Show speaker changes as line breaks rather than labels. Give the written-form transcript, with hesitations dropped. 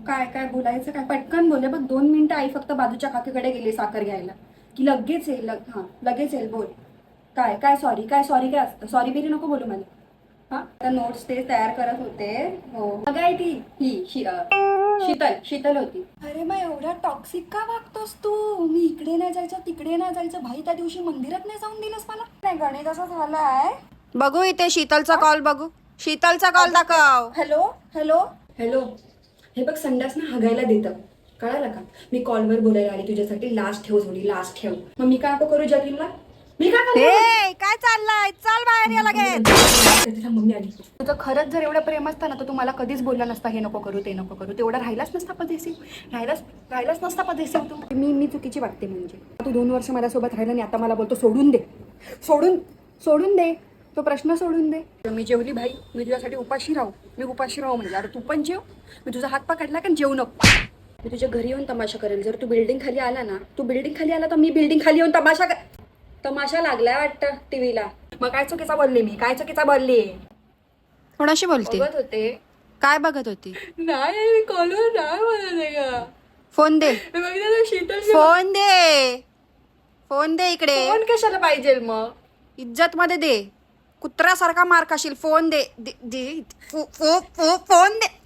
काय काय बोलायचं काय पटकन बोल बघ 2 मिनिटं आई फक्त बाजूच्या काकीकडे गेली साखर घ्यायला की लगेच येईल हां लगेच येईल बोल काय काय सॉरी काय असतं सॉरी बिरी नको बोलू मला हा आता नोट्स ते तयार करत होते हो अगं आहे ती शीतल होती अरे मग एवढा टॉक्सिक का वागतोस तू मी इकडे नाही जायचं तिकडे नाही जायचं भाई त्या दिवशी मंदिरात नाही जाऊन दिलंस मला नाही गणित असं झालाय
बघू इथे शीतलचा कॉल बघू शीतलचा कॉल दाखव.
हॅलो हॅलो हॅलो हे बघ संडास ना हगायला देतं कळालं का मी कॉलवर बोलायला आली तुझ्यासाठी लास्ट ठेव थोडी लास्ट ठेव मग मी काय करू जतीनला मी काय करू
हे काय चाललंय चल बाहेर ये लगेच.
तिला मम्मी आली तुझं खरंच जर एवढं प्रेम असतं ना तर तू मला कधीच बोलला नसता हे नको करू ते नको करू तेवढा राहिलाच नसता पदेसिव राहिलाच नसता पदेसिव तू मी चुकीची वाटते म्हणजे तू 2 वर्ष माझ्यासोबत राहिला आणि आता मला बोलतो सोडून दे सोडून दे तो प्रश्न सोडून दे मी जेवली भाई मी तुझ्यासाठी उपाशी राहू म्हणजे अरे तू पण जेव मी तुझा हात पकडला का जेवू नको मी तुझ्या घरी येऊन तमाशा करेल जर तू बिल्डिंग खाली आला ना तू बिल्डिंग खाली आला तर मी बिल्डिंग खाली येऊन तमाशा लागलाय वाटतं टीव्हीला मग काय चुकीचा बोलले
कोणाशी बोलते
बघत होते
काय बघत होती
नाही मी कॉलवर नाही बोलत आहे का
फोन दे
बघितलं शीतल
फोन दे इकडे
फोन कशाला पाहिजे मग
इज्जत मध्ये दे कुत्र्यासारखा मार खाशील फोन दे फोन दे